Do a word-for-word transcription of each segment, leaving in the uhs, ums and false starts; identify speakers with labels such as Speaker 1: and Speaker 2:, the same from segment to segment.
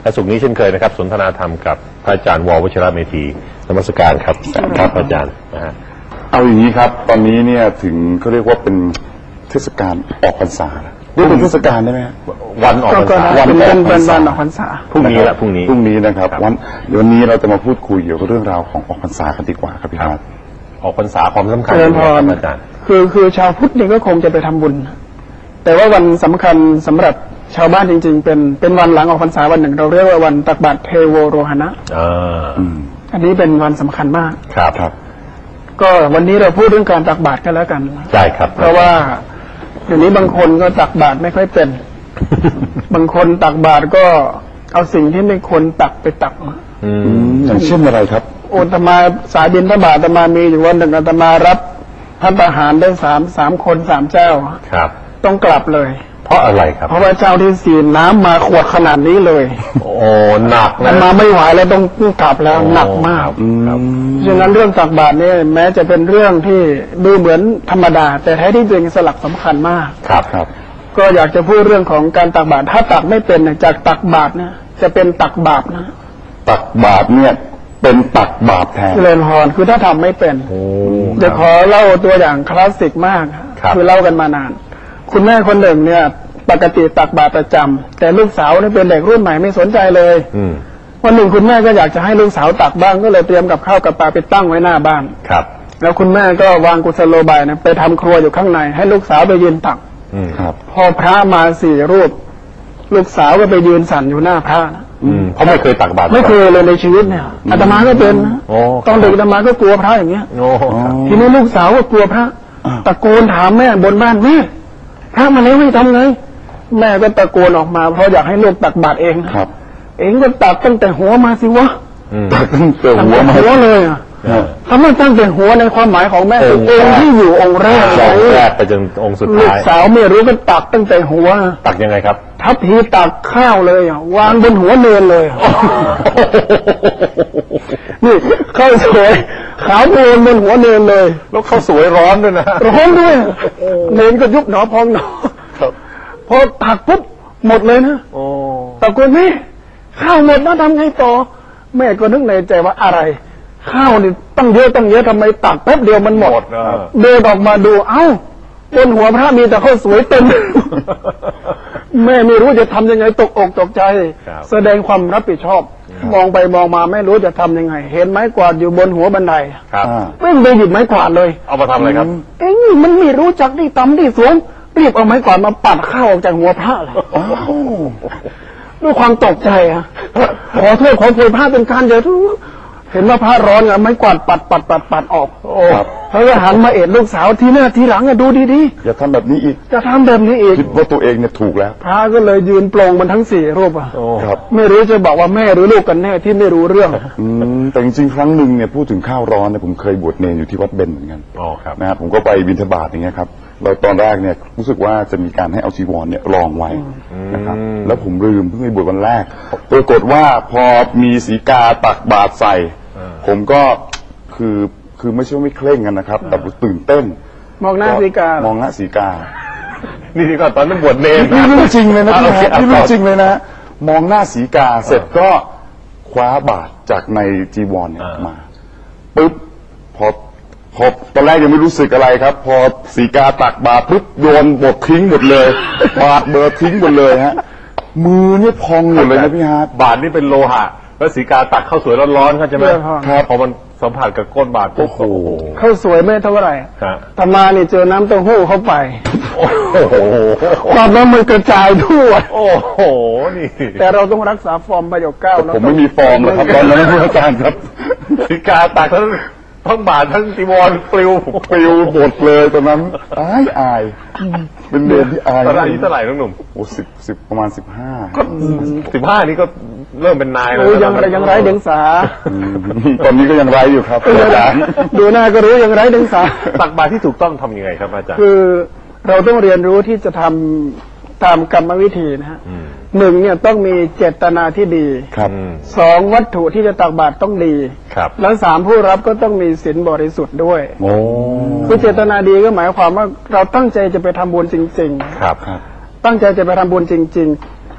Speaker 1: และสุขนี้เช่นเคยนะครับสนทนาธรรมกับพระอาจารย์ววชิระเมธีนมัสการครับครับอาจารย์นะฮะ
Speaker 2: เอาอย่างนี้ครับตอนนี้เนี่ยถึงเขาเรียกว่าเป็นเทศกาลออกพรรษาเรียกเป็นเทศกาลได้ไหม
Speaker 1: วันออกพรรษา
Speaker 3: วันเป็นวันวันออกพรรษา
Speaker 1: พรุ่งนี้ละพรุ่งนี้
Speaker 2: พรุ่งนี้นะครับวันวันนี้เราจะมาพูดคุยเกี่ยวกับเรื่องราวของออกพรรษากันดีกว่าครับพี่ครับ
Speaker 1: ออกพรรษาความสำคัญ
Speaker 3: ของอาจารย์คือคือชาวพุทธนี่ก็คงจะไปทำบุญแต่ว่าวันสำคัญสำหรับชาวบ้านจริงๆเป็นเป็นวันหลังออกพรรษาวันหนึ่งเราเรียกว่าวันตักบาตรเทโวโรหณะอันนี้เป็นวันสำคัญมาก
Speaker 1: ครับครับ
Speaker 3: ก็วันนี้เราพูดเรื่องการตักบาตรกันแล้วกัน
Speaker 1: ใช่ครับ
Speaker 3: เพราะว่าเดี๋ยวนี้บางคนก็ตักบาตรไม่ค่อยเป็น บางคนตักบาตรก็เอาสิ่งที่ไม่ควรตักไปตัก
Speaker 2: อย่างเช่นอะไรครับ
Speaker 3: โอตมาสายบิณฑบาตอาตมามีอยู่วันหนึ่งอาตมารับพัฒหารได้สามสามคนสามเจ้า
Speaker 1: ครับ
Speaker 3: ต้องกลับเลย
Speaker 1: เพราะอะไรครับ
Speaker 3: เพราะว่าเจ้าที่สี่น้ำมาขวดขนาดนี้เลย
Speaker 1: โอ้หนักนะ
Speaker 3: มาไม่ไหวแล้วต้องกลับแล้วหนักมากฉะนั้นเรื่องตักบาตรนี่แม้จะเป็นเรื่องที่ดูเหมือนธรรมดาแต่แท้ที่จริงสลักสำคัญมาก
Speaker 1: ครับครับ
Speaker 3: ก็อยากจะพูดเรื่องของการตักบาตรถ้าตักไม่เป็นจากตักบาตรนะจะเป็นตักบาปนะ
Speaker 2: ตักบาตรเนี่ยเป็นตักบาปแทน
Speaker 3: เจริญพรคือถ้าทำไม่เป็นเดี๋ยวขอเล่าตัวอย่างคลาสสิกมากคือเล่ากันมานานคุณแม่คนหนึ่งเนี่ยปกติตักบาตรประจำแต่ลูกสาวนี่เป็นเด็กรุ่นใหม่ไม่สนใจเลยวันหนึ่งคุณแม่ก็อยากจะให้ลูกสาวตักบ้างก็เลยเตรียมกับข้าวกับปลาไปตั้งไว้หน้าบ้าน
Speaker 1: ครับ
Speaker 3: แล้วคุณแม่ก็วางกุศโลบายนะไปทำครัวอยู่ข้างในให้ลูกสาวไปยืนตัก
Speaker 2: ครับ
Speaker 3: พอพระมาสี่รูปลูกสาวก็ไปยืนสั่นอยู่หน้าพระนะ
Speaker 1: เพราะไม่เคยตักบาตร
Speaker 3: ไม่เคยเลยในชีวิตเนี่ยอาตมาก็เป็นตอนเด็กอาตมาก็กลัวพระอย่างเงี้ยทีนี้ลูกสาวก็กลัวพระตะโกนถามแม่บนบ้านแม่พระมาแล้วให้ทำไงแม่ก็ตะโกนออกมาเพราะอยากให้ลูกตักบาตรเอง
Speaker 2: ครับ
Speaker 3: เองก็ตักตั้งแต่หัวมาสิวะ
Speaker 2: ตักตั้งแต่หัวมา
Speaker 3: หัวเลยอ่ะทำไมตั้งแต่หัวในความหมายของแม่คือองค์ที่อยู่องค์แรก
Speaker 1: แรกไปจนองค์สุดท้าย
Speaker 3: ลูกสาวไม่รู้ก็ตักตั้งแต่หัว
Speaker 1: ตักยังไงครับ
Speaker 3: ทัพพีตักข้าวเลยอ่ะวางบนหัวเนินเลยนี่ข้าวสวยขาวโพลนบนหัวเนินเลย
Speaker 1: แล้วข้าวสวยร้อนด้วยนะ
Speaker 3: ร้อนด้วยเนินก็ยุบหนอพองหนอพอตักปุ๊บหมดเลยนะตะโกนแม่ข้าวหมดแล้วทำไงต่อแม่ก็นึกในใจว่าอะไรข้าวนี่ตั้งเยอะตั้งเยอะทำไมตักแป๊บเดียวมันหมดเดินออกมาดูเอ้าบนหัวพระมีแต่ข้าวสวยเต็มแม่ไม่รู้จะทำยังไงตกอกตกใจแสดงความรับผิดชอบมองไปมองมาไม่รู้จะทำยังไงเห็นไม้กวาดอยู่บนหัวบันไดไม่ไปหยิบไม้กวาดเลย
Speaker 1: เอามาทำอะไรครับ
Speaker 3: เอ้ยมันไม่รู้จักที่ต่ำที่สูงรีบเอาไม้กวาดมาปัดข้าวออกจากหัวพระเลยด้วยความตกใจอ่ะขอโทษขอโพยพระเป็นการเยอะทุกเห็นว่าพระร้อนอ่ะไม้กวาดปัดปัดปัดปัดออกโอ้เขาก็หันมาเอ็ดลูกสาวทีหน้าทีหลังอ่ะดูดี
Speaker 2: ๆอย่าทำแบบนี้อีก
Speaker 3: จะทำแบบนี้อีก
Speaker 2: คิดว่าตัวเองเนี่ยถูกแล้ว
Speaker 3: พระก็เลยยืนปลงมันทั้งสี่รูปอ่ะไม่รู้จะบอกว่าแม่หรือลูกกันแน่ที่ไม่รู้เรื่อง
Speaker 2: อืมแต่จริงๆครั้งหนึ่งเนี่ยพูดถึงข้าวร้อนเนี่ยผมเคยบวชเนรอยู่ที่วัดเบญเหมือนกัน
Speaker 1: อ๋อครับ
Speaker 2: นะครับผมก็ไปบิณฑบาตอย่างเงี้ยครับเราตอนแรกเนี่ยรู้สึกว่าจะมีการให้เอาจีวรเนี่ยรองไว้นะครับแล้วผมลืมเพิ่งไปบวชวันแรกปรากฏว่าพอมีสีกาตักบาตรใส่ผมก็คือคือไม่ใช่ไม่เคร่งกันนะครับแต่ตื่นเต้น
Speaker 3: มองหน้าสีกาม
Speaker 2: องหน้าสีกา
Speaker 1: นี่ที่ก่อนตอนนั้นบวชเนร
Speaker 2: นี่เรื่องจริงเลยนะพี่นี่เรื่องจริงเลยนะมองหน้าสีกาเสร็จก็คว้าบาตรจากในจีวรเนี่ยมาปุ๊บพอพอตอนแรกยังไม่รู้สึกอะไรครับพอสีกาตักบาตรปุ๊บโยนบททิ้งหมดเลยบาตรเบอร์ทิ้งหมดเลยฮะมือเนี่ยพองหมดเลยนะพี่ฮาร์ด
Speaker 1: บาตรนี่เป็นโลหะแล้วสีกาตักข้าวสวยร้อนๆเข้าใจไหมครับพอมันสัมผัสกับก้นบาตรโอ้โห
Speaker 3: ข้าวสวยไม่เท่าไหร่ธรรมานี่เจอน้ำเต้าหู้เข้าไป
Speaker 1: โอ้โห
Speaker 3: ความน้ำมันกระจายทั่ว
Speaker 1: โอ้โหนี่
Speaker 3: แต่เราต้องรักษาฟอร์มประโยคเก้า
Speaker 2: ผมไม่มีฟอร์มเลยครับตอนนั้นผู้อาจารย์ครับ
Speaker 1: สีกาตักทั้งทั้งบาตรทั้งจีวรปลิว
Speaker 2: ปลิวหมดเลยตอนนั้นอายอายเป็นเดือนที่อาย
Speaker 1: ตอนนี้เท่าไหร่น้องหนุ่ม
Speaker 2: โอ้สิบสิบประมาณสิบห้า
Speaker 1: สิบห้านี่ก็เริ่มเป็นนายแล้ว
Speaker 3: ยังไรยังไรเดียงสา
Speaker 2: ตอนนี้ก็ยังไรอยู่ครับอาจารย์
Speaker 3: ดูหน้าก็รู้ยังไรเดียงสา
Speaker 1: ตักบาตรที่ถูกต้องทำยังไงครับอาจารย์
Speaker 3: คือเราต้องเรียนรู้ที่จะทำตามกรรมวิธีนะฮะหนึ่งเนี่ยต้องมีเจตนาที่ดีสองวัตถุที่จะตักบาตรต้องดีแล้วสามผู้รับก็ต้องมีศีลบริสุทธิ์ด้วยคือเจตนาดีก็หมายความว่าเราตั้งใจจะไปทำบุญจริงๆ
Speaker 1: ครับ
Speaker 3: ตั้งใจจะไปทำบุญจริงๆ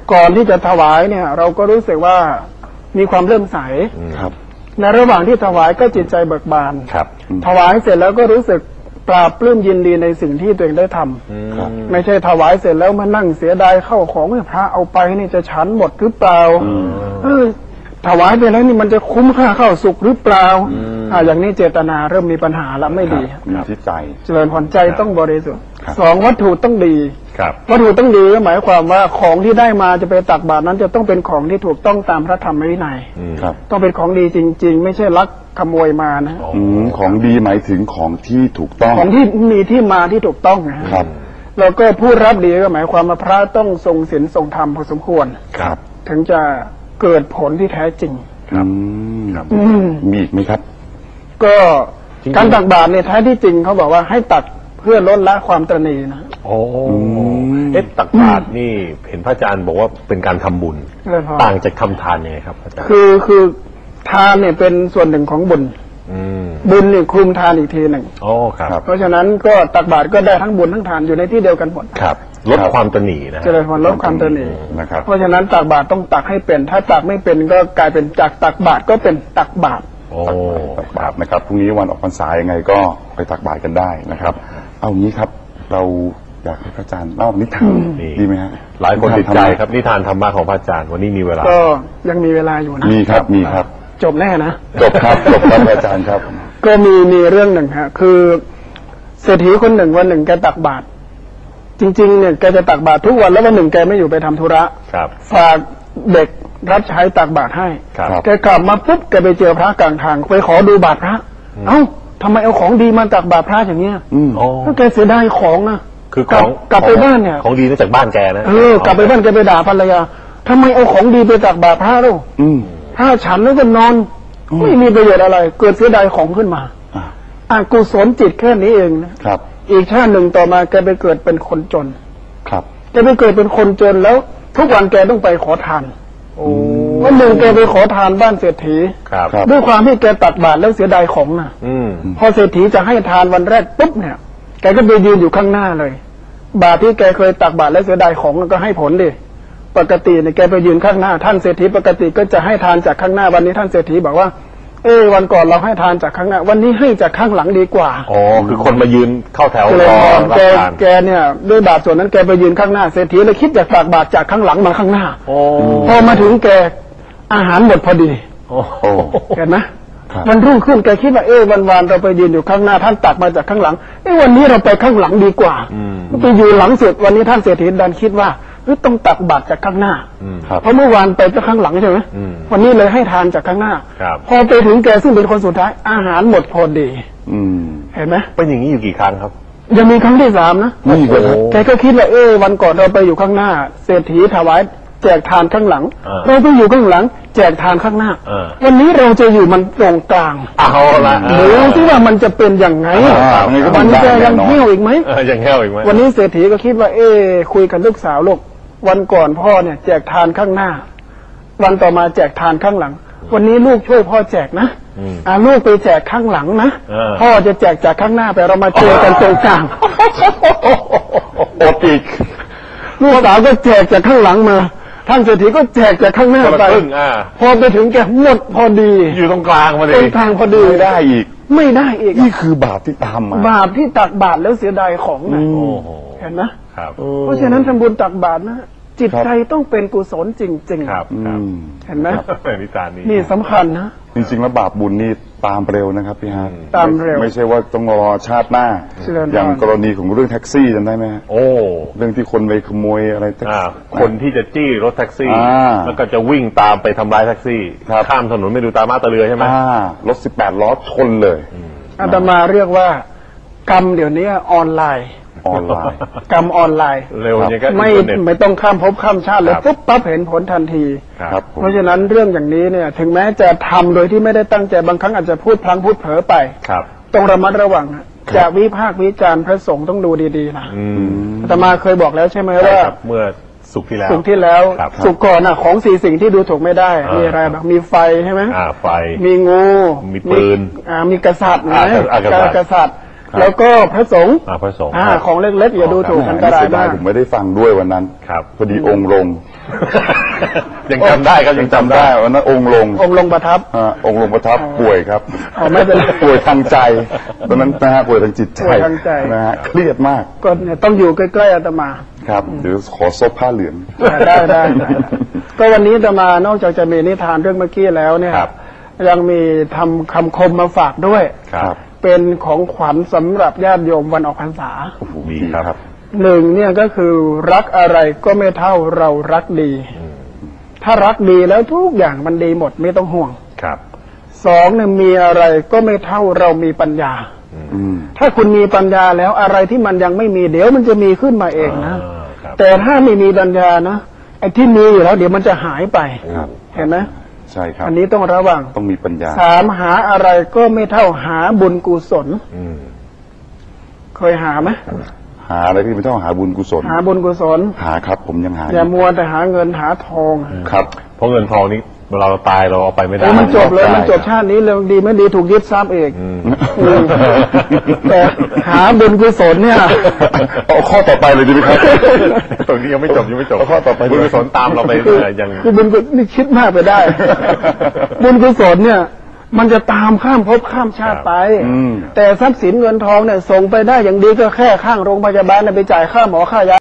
Speaker 3: ก่อนที่จะถวายเนี่ย เราก็รู้สึกว่ามีความเลื่อมใส
Speaker 2: ครับ
Speaker 3: ในระหว่างที่ถวายก็จิตใจเบิกบาน
Speaker 1: ครับ
Speaker 3: ถวายเสร็จแล้วก็รู้สึกปราบปลื้มยินดีในสิ่งที่ตัวเองได้ทำ
Speaker 2: ครับ
Speaker 3: ไม่ใช่ถวายเสร็จแล้วมานั่งเสียดายเข้าของให้พระเอาไปนี่จะฉันหมดหรือเปล่าเออถวายไปแล้วนี่มันจะคุ้มค่าเข้าสุขหรือเปล่าอ่าอย่างนี้เจตนาเริ่มมีปัญหาแล้วไม่ดี
Speaker 2: มีที่ใจ
Speaker 3: เจริญพรใจต้องบริสุทธิ์
Speaker 2: ครับ
Speaker 3: สองวัตถุต้องดี
Speaker 1: ครับ
Speaker 3: วัตถุต้องดีก็หมายความว่าของที่ได้มาจะไปตักบาตรนั้นจะต้องเป็นของที่ถูกต้องตามพระธรรมวินัย
Speaker 2: ครับ
Speaker 3: ต้องเป็นของดีจริง ๆ ไม่ใช่ลักขโมยมานะ
Speaker 2: อืมของดีหมายถึงของที่ถูกต้อง
Speaker 3: ของที่มีที่มาที่ถูกต้องนะฮะ
Speaker 2: ครับ
Speaker 3: แล้วก็ผู้รับดีก็หมายความว่าพระต้องทรงศีลทรงธรรมพอสมควร
Speaker 1: ครับ
Speaker 3: ถึงจะเกิดผลที่แท้จริง
Speaker 2: อืม
Speaker 3: อืม
Speaker 2: มีอีกไหมครับ
Speaker 3: ก็
Speaker 1: จริงๆ
Speaker 3: การตักบาตรเนี่ยแท้ที่จริงเขาบอกว่าให้ตักเพื่อลดละความตระหนี่นะ
Speaker 1: โอ้
Speaker 2: ม
Speaker 1: เอ๊ะตักบาตรนี่เห็นพระอาจารย์บอกว่าเป็นการทำบุญ
Speaker 3: เลยพอ
Speaker 1: ต่างจากทำทานยังไงครับอาจารย์
Speaker 3: คือคือทานเนี่ยเป็นส่วนหนึ่งของบุญ
Speaker 1: อืม
Speaker 3: บุญนี่คลุมทานอีกทีหนึ่ง
Speaker 1: โอ้ครับ
Speaker 2: ครับ
Speaker 3: เพราะฉะนั้นก็ตักบาตรก็ได้ทั้งบุญทั้งทานอยู่ในที่เดียวกันหมด
Speaker 1: ครับลดความตระหนี่นะ
Speaker 3: เจริญพรลดความตระหนี่
Speaker 2: นะครับ
Speaker 3: เพราะฉะนั้นตักบาตรต้องตักให้เป็น ถ้าตักไม่เป็นก็กลายเป็นจากตักบาตรก็เป็นตักบาตร
Speaker 1: โอ้
Speaker 2: ตักบาตรนะครับพรุ่งนี้วันออกพรรษายังไงก็ไปตักบาตรกันได้นะครับ เอางี้ครับ เราอยากให้พระอาจารย์เล่านิทานดีไหมฮะ
Speaker 1: หลายคนติดใจครับนิทานธรรมะของพระอาจารย์วันนี้มีเวลา
Speaker 3: ก็ยังมีเวลาอยู่นะ
Speaker 2: มีครับมีครับ
Speaker 3: จบแน่นะ
Speaker 2: จบครับจบครับอาจารย์ครับ
Speaker 3: ก็มีมีเรื่องหนึ่งฮะคือเศรษฐีคนหนึ่งวันหนึ่งแกตักบาตรจริงๆเนี่ยแกจะตักบาตรทุกวันแล้ววันหนึ่งแกไม่อยู่ไปทำธุระ
Speaker 1: ครับ
Speaker 3: ฝากเด็กรับใช้ตักบาตรให้
Speaker 1: ครับ
Speaker 3: แกกลับมาปุ๊บแกไปเจอพระกลางทางไปขอดูบาตรพระ เอ้าทำไมเอาของดีมาตักบาตรพระอย่างเงี้ย
Speaker 2: อืม
Speaker 1: โอ้
Speaker 3: ก็แกเสียดายของอ่ะ
Speaker 1: คือข
Speaker 3: กลั
Speaker 1: อบ ง
Speaker 3: กลับไปบ้านเนี่ย
Speaker 1: ของดีมาจากบ้านแกนะ
Speaker 3: เออกลับไปบ้านแกไปด่าภรรยาทำไมเอาของดีไปตักบาตรพระเรา
Speaker 2: อืม
Speaker 3: พระฉันแล้วก็นอน ไม่มีประโยชน์อะไร เกิดเสียดายของขึ้นมา
Speaker 2: อ่า
Speaker 3: อากุศลจิตแค่นี้เองนะครับ อีกชาติหนึ่งต่อมาแกไปเกิดเป็นคนจน
Speaker 2: ครับ
Speaker 3: แกไปเกิดเป็นคนจนแล้ว ทุกวันแกต้องไปขอทาน
Speaker 1: โอ้
Speaker 3: วันหนึ่งแกไปขอทานบ้านเศรษฐี
Speaker 1: ครับ
Speaker 2: ครับ
Speaker 3: ด้วยความที่แกตักบาตรแล้วเสียดายของนะ
Speaker 1: อืม
Speaker 3: พอเศรษฐีจะให้ทานวันแรกปุ๊บเนี่ย แกก็ไปยืนอยู่ข้างหน้าเลย บาตรที่แกเคยตักบาตรแล้วเสียดายของก็ให้ผลดิปกติเนี่ยแกไปยืนข้างหน้า ท่านเศรษฐีปกติก็จะให้ทานจากข้างหน้าวันนี้ท่านเศรษฐีบอกว่า เออวันก่อนเราให้ทานจากข้างหน้า วันนี้ให้จากข้างหลังดีกว่า
Speaker 1: อ๋อคือคนมายืนเข้าแถว
Speaker 3: ก็เลย
Speaker 1: รอ
Speaker 3: มอง
Speaker 1: รับ
Speaker 3: แก
Speaker 1: ทาน
Speaker 3: แกเนี่ยด้วยบาตรส่วนนั้นแกไปยืนข้างหน้าเศรษฐีเลยคิดอยากตักบาตรจากข้างหลังมาข้างหน้า
Speaker 1: โอ้
Speaker 3: พอมาถึงแกอาหารหมดพอดี
Speaker 1: โอ้
Speaker 2: โอ้
Speaker 3: เห็นไหม
Speaker 2: ครับ
Speaker 3: วันรุ่งขึ้นแกคิดว่าเออวันวานเราไปยืนอยู่ข้างหน้า ท่านตักมาจากข้างหลังเออวันนี้เราไปข้างหลังดีกว่าไปอยู่หลังสุดวันนี้ท่านเศรษฐีดันคิดว่าเฮ้ยต้องตักบาตรจากข้างหน้า
Speaker 2: ครับ
Speaker 3: เพราะเมื่อวานไปจากข้างหลังใช่ไหม
Speaker 1: อืม
Speaker 3: วันนี้เลยให้ทานจากข้างหน้า
Speaker 1: ครับ
Speaker 3: พอไปถึงแกซึ่งเป็นคนสุดท้ายอาหารหมดพอดี
Speaker 2: อืม
Speaker 3: เห็นไหม
Speaker 1: เป็นอย่างนี้อยู่กี่ครั้งครับ
Speaker 3: ยังมีครั้งที่สามนะ
Speaker 2: นี่อีกเหรอครับ
Speaker 3: แกก็คิดว่าเออวันก่อนเราไปอยู่ข้างหน้า เศรษฐีถวายแจกทานข้างหลัง
Speaker 1: อ่า
Speaker 3: เราไปอยู่ข้างหลัง แจกทานข้างหน้า
Speaker 1: อ่า
Speaker 3: วันนี้เราจะอยู่มันตรงกลาง
Speaker 1: เอาละ
Speaker 3: ดูสิว่ามันจะเป็นอย่างไง
Speaker 2: อ่ามันก็
Speaker 3: มัน
Speaker 2: ได้
Speaker 3: จะ
Speaker 2: แน่
Speaker 3: ยัง
Speaker 2: นอน
Speaker 3: เที่ยวอีกไหม
Speaker 1: เออยังแห้วอีกไหม
Speaker 3: วันนี้เศรษฐีก็คิดว่า เอ๊ะคุยกับลูกสาวลูกวันก่อนพ่อเนี่ย แจกทานข้างหน้า วันต่อมาแจกทานข้างหลัง วันนี้ลูกช่วยพ่อแจกนะอ่าลูกไปแจกข้างหลังนะ
Speaker 1: เออ
Speaker 3: พ่อจะแจกจากข้างหน้าไปเรามาเจอกันตรงกลาง
Speaker 2: อดอีก
Speaker 3: ลูกสาวก็แจกจากข้างหลังมาท่านเศรษฐีก็แจกจากข้างหน้า
Speaker 1: คนละ
Speaker 3: ไป
Speaker 1: ครึ่งอ่า
Speaker 3: พอไปถึงแกหมดพอดี
Speaker 1: อยู่ตรงกลางมา
Speaker 3: ต
Speaker 1: เล
Speaker 3: ร
Speaker 1: ย
Speaker 3: งกลางพอดี
Speaker 2: ไม่ได้อีก
Speaker 3: ไม่ได้อีก
Speaker 2: นี่คือบาปที่ตามมา
Speaker 3: บาปที่ตักบาตรแล้วเสียดายของนะ
Speaker 1: โอ้โห
Speaker 3: เห็นไหม
Speaker 1: ครับ
Speaker 3: เพราะฉะนั้นทำบุญตักบาตรนะจิตใจต้องเป็นกุศลจริงๆ
Speaker 1: ครับ
Speaker 2: อื
Speaker 1: ครับ
Speaker 2: ม
Speaker 3: เห็นไหม
Speaker 1: นิทานนี้
Speaker 3: นี่สำคัญนะ
Speaker 2: จริงๆแล้วบาปบุญนี่ตามเร็วนะครับพี่ฮะ
Speaker 3: ตามเร็ว
Speaker 2: ไม่ใช่ว่าต้องรอชาติหน้า
Speaker 3: เจริญพร
Speaker 2: อย่างกรณีของเรื่องแท็กซี่จำได้ไหมฮะ
Speaker 1: โอ้
Speaker 2: เรื่องที่คนไปขโมยอะไรแท็ก
Speaker 1: อ่า
Speaker 2: ซี่
Speaker 1: คนที่จะจี้รถแท็กซี่
Speaker 2: อ่า
Speaker 1: แล้วก็จะวิ่งตามไปทำร้ายแท็กซี่
Speaker 2: ครับ
Speaker 1: ข้ามถนนไม่ดูตามาตาเรือใช่ไหม
Speaker 2: อ่ารถสิบแปดล้อชนเลย
Speaker 3: อาตมาเรียกว่ากรรมเดี๋ยวนี้ออนไลน์
Speaker 2: ออนไลน์
Speaker 3: กรรมออนไลน์
Speaker 1: เร็วอย่างก็
Speaker 3: ไม่
Speaker 1: อินเทอร์เน็ต
Speaker 3: ไม่ต้องข้ามภพข้ามชาติเลย
Speaker 1: ครับ
Speaker 3: ปุ๊บปั๊บเห็นผลทันที
Speaker 2: ครับผม
Speaker 3: เพราะฉะนั้นเรื่องอย่างนี้เนี่ย ถึงแม้จะทำโดยที่ไม่ได้ตั้งใจบางครั้งอาจจะพูดพลั้งพูดเผลอไป
Speaker 1: ครับ
Speaker 3: ต้องระมัดระวังนะจะวิพากษ์วิจารณ์พระสงฆ์ต้องดูดีๆนะ
Speaker 1: อืม
Speaker 3: อาตมาเคยบอกแล้วใช่ไหม
Speaker 1: ใช่
Speaker 3: ว่า
Speaker 1: ครับเมื่อสุกร์ที่แล้ว
Speaker 3: สุขที่แล้ว
Speaker 1: ครับ
Speaker 3: สุขก่อนนะของสี่สิ่งที่ดูถูกไม่ได้
Speaker 1: อ่ามี
Speaker 3: มีอะไรบ้างมีไฟใช่ไหม
Speaker 1: อ่าไฟ
Speaker 3: มีงู
Speaker 1: มีปืน
Speaker 3: อ่ามีกษัตริย์นะ
Speaker 1: อ่าอ่ากษัตริย์
Speaker 3: กษัตริย์ แล้วก็พระสงฆ์
Speaker 1: อ่าพระสงฆ์
Speaker 3: อ่า
Speaker 1: ครับ
Speaker 3: ของเล็กๆอย่าดูถูก
Speaker 2: แหม
Speaker 3: อันตราย
Speaker 2: เสียดาม
Speaker 3: าย ก
Speaker 2: ผมไม่ได้ฟังด้วยวันนั้น
Speaker 1: ครับ
Speaker 2: พอดีองค์ลง
Speaker 1: ยังจำได้ครับ
Speaker 2: ยังจำได้วันนั้นองค์ลง
Speaker 3: องค์ลงประทับ
Speaker 2: ฮะองค์ลงประทับป่วยครับ
Speaker 3: อ๋อไม่เป็นไร
Speaker 2: ป่วยทางใจตอนนั้นนะฮะป่วยทางจิตใจ
Speaker 3: ป่วยทางใจ
Speaker 2: นะฮะเครียดมาก
Speaker 3: ก็เนี่ยต้องอยู่ใกล้ๆอาตมา
Speaker 2: ครับเดี๋ยวขอซบผ้าเหลือง
Speaker 3: ได้ได้ได้ก็วันนี้อาตมานอกจากจะมีนิทานเรื่องเมื่อกี้แล้วเนี่ย
Speaker 1: ครับ
Speaker 3: ยังมีทำคำคมมาฝากด้วย
Speaker 1: ครับ
Speaker 3: เป็นของขวัญสำหรับญาติโยมวันออกพรรษา
Speaker 1: ดีครับ
Speaker 3: หนึ่งเนี่ยก็คือรักอะไรก็ไม่เท่าเรารักดี ถ้ารักดีแล้วทุกอย่างมันดีหมดไม่ต้องห่วง
Speaker 1: ครับ
Speaker 3: สองเนี่ยมีอะไรก็ไม่เท่าเรามีปัญญา
Speaker 2: อืม
Speaker 3: ถ้าคุณมีปัญญาแล้วอะไรที่มันยังไม่มีเดี๋ยวมันจะมีขึ้นมาเองนะ
Speaker 1: อ่าครับ
Speaker 3: แต่ถ้าไม่มีปัญญานะไอ้ที่มีอยู่แล้ว เดี๋ยวมันจะหายไป
Speaker 2: ครับ
Speaker 3: เห็นไหม
Speaker 2: ใช่ครับ
Speaker 3: อันนี้ต้องระวัง
Speaker 2: ต้องมีปัญญา
Speaker 3: สามหาอะไรก็ไม่เท่าหาบุญกุศล
Speaker 1: อืม
Speaker 3: เคยหาไหม
Speaker 2: หาอะไรที่ไม่ต้องหาบุญกุศล
Speaker 3: หาบุญกุศล
Speaker 2: หาครับ ผมยังหา
Speaker 3: อย่ามัวแต่หาเงินหาทอง
Speaker 2: ครับ
Speaker 1: เพราะเงินทองนี้เวลาเราตายเราเอาไปไม่ได้
Speaker 3: โอ้มันจบเลย
Speaker 2: ได้
Speaker 3: มันจบชาตินี้เลยดีไม่ดีถูกยึดทรัพย์เอง
Speaker 1: อืม
Speaker 3: อืมแต่หาบุญกุศลเนี่ย
Speaker 2: เอาข้อต่อไปเลยดีไหมครับ
Speaker 1: ตรงนี้ยังไม่จบยังไม่จบ
Speaker 2: เอาข้อต่อไป
Speaker 1: บุญกุศลตามเราไปเรื่อยๆยัง
Speaker 3: คือบุญกุศลนี่คิดมากไปได้ บุญกุศลเนี่ย มันจะตามข้ามภพข้ามชาติไป
Speaker 2: อืม
Speaker 3: แต่ทรัพย์สินเงินทองเนี่ยส่งไปได้อย่างดีก็แค่ข้างโรงพยาบาลน่ะไปจ่ายค่าหมอค่ายา